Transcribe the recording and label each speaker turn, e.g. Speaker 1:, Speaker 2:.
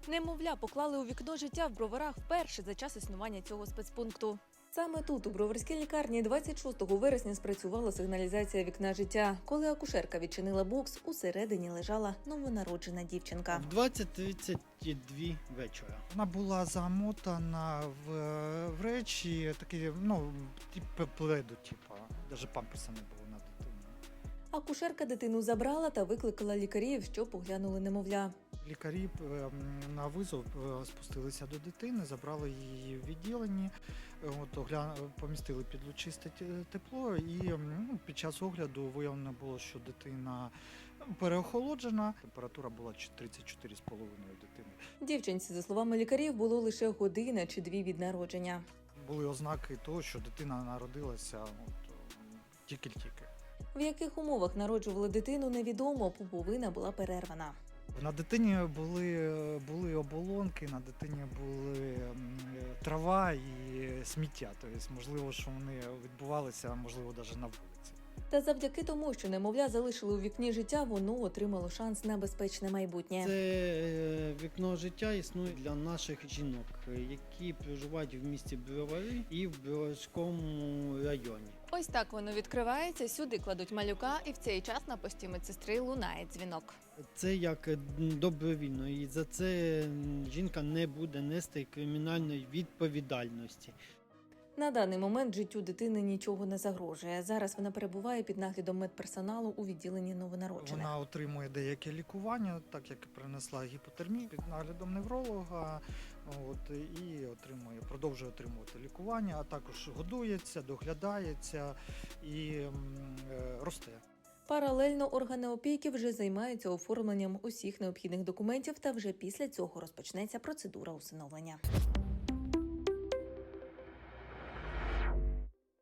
Speaker 1: Немовля поклали у вікно життя в Броварах вперше за час існування цього спецпункту. Саме тут, у Броварській лікарні, 26 вересня спрацювала сигналізація вікна життя. Коли акушерка відчинила бокс, усередині лежала новонароджена дівчинка.
Speaker 2: В 20:32 вечора.
Speaker 3: Вона була замотана в речі, такі, типу пледу, навіть памперса не було на дитину.
Speaker 1: Акушерка дитину забрала та викликала лікарів, щоб оглянули немовля.
Speaker 3: Лікарі на визов спустилися до дитини, забрали її в відділенні, помістили під лучисте тепло і під час огляду виявлено було, що дитина переохолоджена, температура була 34,5 у дитини.
Speaker 1: Дівчинці, за словами лікарів, було лише година чи дві від народження.
Speaker 3: Були ознаки того, що дитина народилася тільки-тільки.
Speaker 1: В яких умовах народжували дитину, невідомо, пуповина була перервана.
Speaker 3: На дитині були оболонки, на дитині були трава і сміття. Тобто, можливо, що вони відбувалися, можливо, навіть на вулиці.
Speaker 1: Та завдяки тому, що немовля залишили у вікні життя, воно отримало шанс на безпечне майбутнє.
Speaker 2: Це вікно життя існує для наших жінок, які проживають в місті Бровари і в Броварському районі.
Speaker 1: Ось так воно відкривається, сюди кладуть малюка, і в цей час на пості медсестри лунає дзвінок.
Speaker 2: Це як добровільно, і за це жінка не буде нести кримінальної відповідальності.
Speaker 1: На даний момент життю дитини нічого не загрожує. Зараз вона перебуває під наглядом медперсоналу у відділенні новонароджених.
Speaker 3: Вона отримує деяке лікування, так як принесла гіпотермію під наглядом невролога, і продовжує отримувати лікування, а також годується, доглядається і росте.
Speaker 1: Паралельно органи опіки вже займаються оформленням усіх необхідних документів, та вже після цього розпочнеться процедура усиновлення.